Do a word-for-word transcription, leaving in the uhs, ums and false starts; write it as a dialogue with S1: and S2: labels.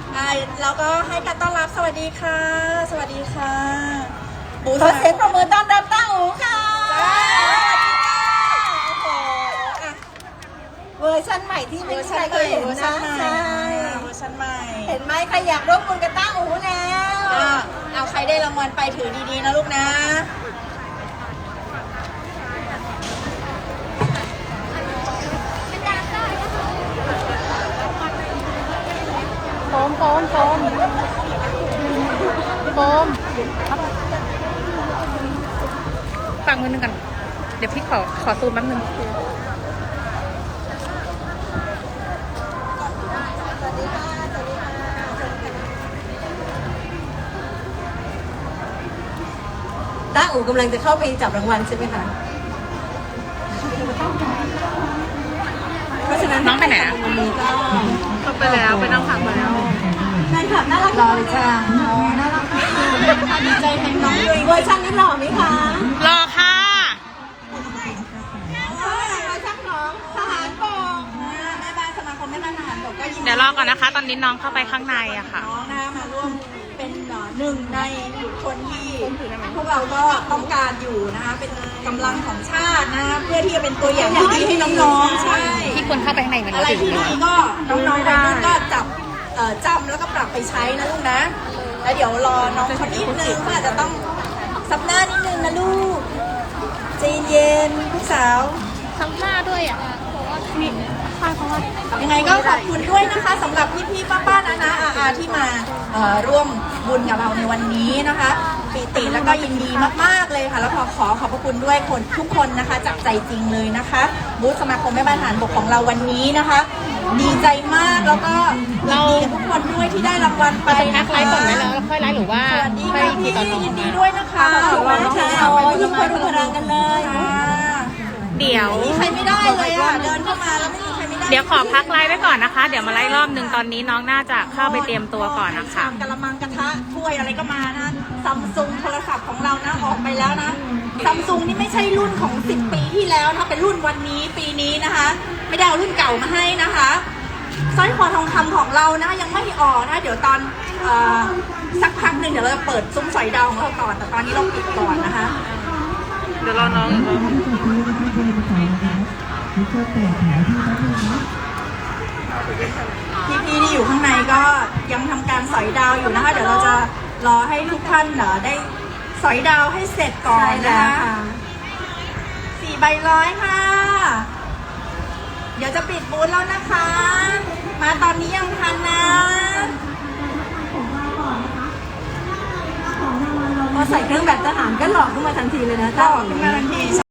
S1: อ่าแล้วก็ให้การต้อนรับสวัสดีค่ะสวัสดีค่ะบู
S2: ขอเสียงปรบมือต้อนรับต้าอู๋ค่ะเวอร์ชันใหม่ที่ไม่มีใครเคยเห็นนะใช่
S1: เวอร์ชันใหม่
S2: เห็นไหมใครอยากร่วมบุญกับต้าอู๋แล้ว
S1: เอาใครได้รางวัลไปถือดีๆนะลูกนะ
S3: โฟมโฟมโฟมโฟมฟังมือหนึ่งกันเดี๋ยวพี่ขอขอซูมแป๊บนึง
S2: ต้าอู๋กำลังจะเข้าไปจับรางวัลใช่ไหมคะเพราะฉะนั้น
S3: น้องไปไหน
S2: วันนี้ก็
S3: เข้าไปแล้วไปนั่งพักมาแล้ว
S2: แฟนคลับน่ารักรอเลยค่ะน่ารักดีใจแทนน้องเลยเวอร์ชันนี้หล่อไหมคะ
S3: รอค่ะ
S2: เวอร์ชันน้องทหารบก
S1: แม่บ้านสมาคมแม่บ้านทหารบกก็ยินดี
S3: เดี๋ยวรอก่อนนะคะตอนนี้น้องเข้าไปข้างในอะค่ะ
S1: น้องนะมาร่วมเป็นหนึ่งในบุคคลที่พวกเราก็ต้องการอยู่นะคะเป็นกำลังของชาตินะเพื่อที่จะเป็นตัวอย่างที่ดีให้น้องๆใช่
S3: ที่ควรเข้าไปข้างในมัน
S1: อะไรที่ดีก็น้องๆวัยรุ่นก็จับจำแล้วก็ปรับไปใช้นะลูกนะแล้วเดี๋ยวรอน้องคนนิดนึงก็อาจจะต้องซับหน้านิดนึงนะลูกใจเย็นลูกสาว
S3: ทั้งหน้าด้วยอ่ะนี่ข้างเขาว่า
S1: ยังไงก็ขอบคุณด้วยนะคะสำหรับพี่ๆป้าๆนะนะอาๆที่มาร่วมบุญกับเราในวันนี้นะคะปิติแล้วก็ยินดีมากๆเลยค่ะแล้วขอขอขอบพระคุณด้วยคนทุกคนนะคะจากใจจริงเลยนะคะบูธสมาคมแม่บ้านทหารบกของเราวันนี้นะคะดีใจมากแล้วก็ยินดีกับทุกคนด้วยที่ได้รางวัลไป
S3: นะคะไลฟ์ก่อนไหมแล้วค่อยไลฟ์หรือว่า
S1: สวัสดีค่ะพี่ยินดีด้วยนะคะ
S2: ขอบคุณค่ะยิ่งพลุพลังกันเลย
S3: เดี๋ยว
S1: ใครไม่ได้เลยอ่ะเดินเข้ามาแล้วไม่มีใครไม่ได้
S3: เดี๋ยวขอพักไลฟ์ไว้ก่อนนะคะเดี๋ยวมาไลฟ์รอบหนึ่งตอนนี้น้องน่าจะเข้าไปเตรียมตัวก่อนนะคะ
S1: กระมังกระทะถ้วยอะไรก็มานะซัมซุงโทรศัพท์ของเรานะออกไปแล้วนะซัมซุงนี่ไม่ใช่รุ่นของสิบปีที่แล้วนะเป็นรุ่นวันนี้ปีนี้นะคะไม่ได้เอารุ่นเก่ามาให้นะคะสร้อยคอทองคำของเรานะยังไม่ออกนะเดี๋ยวตอนสักพักหนึ่งเดี๋ยวเราจะเปิดซุ้มสอยดาวของเราก่อนแต่ตอนนี้เราปิดก่อนนะคะ
S3: เดี๋ยวรอน้อง
S1: พี่ๆที่อยู่ข้างในก็ยังทำการสอยดาวอยู่นะคะเดี๋ยวเราจะรอให้ทุกท่านได้สอยดาวให้เสร็จก่อนนะคะสี่ใบร้อยค่ะเดี๋ยวจะปิดบูธแล้วนะคะมาตอนนี้ยังทันนะ
S2: พอใส่เครื่องแบบทหารก็หลอกขึ้นมาทันทีเลยนะ
S1: หลอกขึ้นมาทันที